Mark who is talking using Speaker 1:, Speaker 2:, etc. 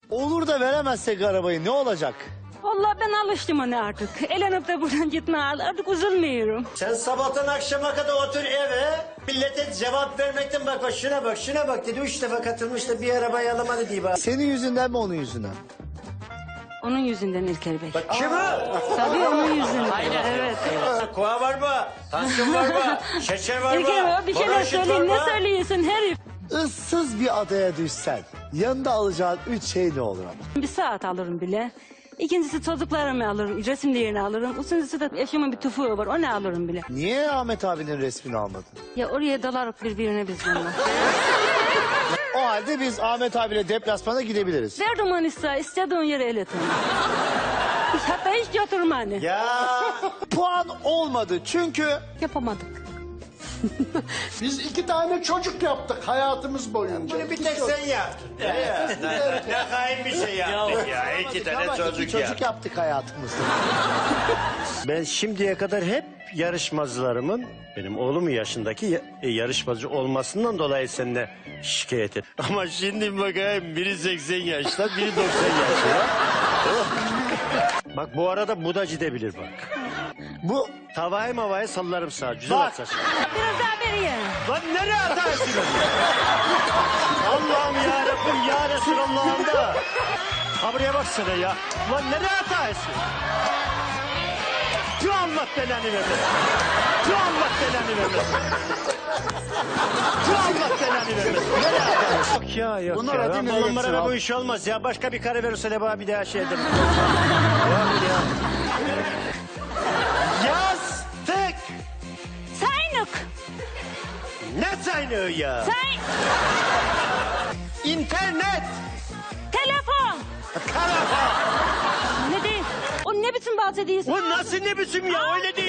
Speaker 1: Olur da veremezsek arabayı ne olacak?
Speaker 2: Vallahi ben alıştım ona artık. Elenip de buradan gitme artık üzülmüyorum.
Speaker 3: Sen sabahtan akşama kadar otur eve. Millete cevap vermekten bak şuna bak şuna bak dedi. 3 defa katılmış da bir arabayı alamadı diye bak.
Speaker 1: Senin yüzünden mi onun yüzünden?
Speaker 2: Onun yüzünden İlker Bey.
Speaker 3: Bak kimi?
Speaker 2: Tabii onun yüzünden. Evet.
Speaker 3: Koa var mı? Tansiyon var mı? Şeker var mı?
Speaker 2: İlker Bey bir şeyler
Speaker 3: Bronşit var
Speaker 2: söyleyin.
Speaker 3: mı?
Speaker 2: Ne söylüyorsun herif?
Speaker 1: Issız bir adaya düşsen yanında alacağın 3 şey ne olur ama?
Speaker 2: Bir saat alırım bile. İkincisi çocuklarımı alırım, resimlerini alırım. Üçüncüsü de eşimin bir tüfeği var, onu alırım bile.
Speaker 1: Niye Ahmet abinin resmini almadın?
Speaker 2: Ya oraya dalarıp birbirine biz bunlar.
Speaker 1: O halde biz Ahmet abiyle deplasmana gidebiliriz.
Speaker 2: Verdim onu istediğin yere iletin. Hatta hiç götürme hani.
Speaker 3: Ya
Speaker 1: Puan olmadı çünkü
Speaker 2: Yapamadık.
Speaker 4: Biz 2 tane çocuk yaptık hayatımız boyunca.
Speaker 3: bunu bir tek sen yaptın. Ne hain bir şey yaptık ya. 2 tane
Speaker 1: ama
Speaker 3: çocuk
Speaker 1: iki çocuk
Speaker 3: ya.
Speaker 1: yaptık hayatımızda.
Speaker 3: Ben şimdiye kadar hep yarışmacılarımın benim oğlum yaşındaki yarışmacı olmasından dolayı seninle şikayet et. Ama şimdi bakayım biri 80 yaşta biri 90 yaşta. Bak bu arada bu da gidebilir bak.
Speaker 1: Bu
Speaker 3: Tavayı mavayı sallarım sağa. Güzel
Speaker 1: Bak.
Speaker 3: atacağım.
Speaker 2: Biraz daha beriye.
Speaker 3: Lan nereye atarsın? Allah'ım ya Rabbim ya Resulallah'ım da. Ha buraya baksana ya. Lan nereye atarsın? Tüh Allah belanı vermesin. Tüh Allah belanı vermesin. Tüh Allah belanı vermesin. Nereye atarsın? Yok ya yok
Speaker 1: Bunlar
Speaker 3: ya.
Speaker 1: hadi
Speaker 3: Ben bu
Speaker 1: milletsin
Speaker 3: numarada bu
Speaker 1: abi.
Speaker 3: iş olmaz ya. Başka bir kare verirse de bana bir daha şey ederim. Yok ya. Yastık.
Speaker 2: Sayınık.
Speaker 3: Ne sayını ya?
Speaker 2: Say.
Speaker 3: İnternet.
Speaker 2: Telefon.
Speaker 3: Telefon.
Speaker 2: Ne değil? O ne biçim bahsediyorsun?
Speaker 3: O nasıl ne biçim ya öyle değil.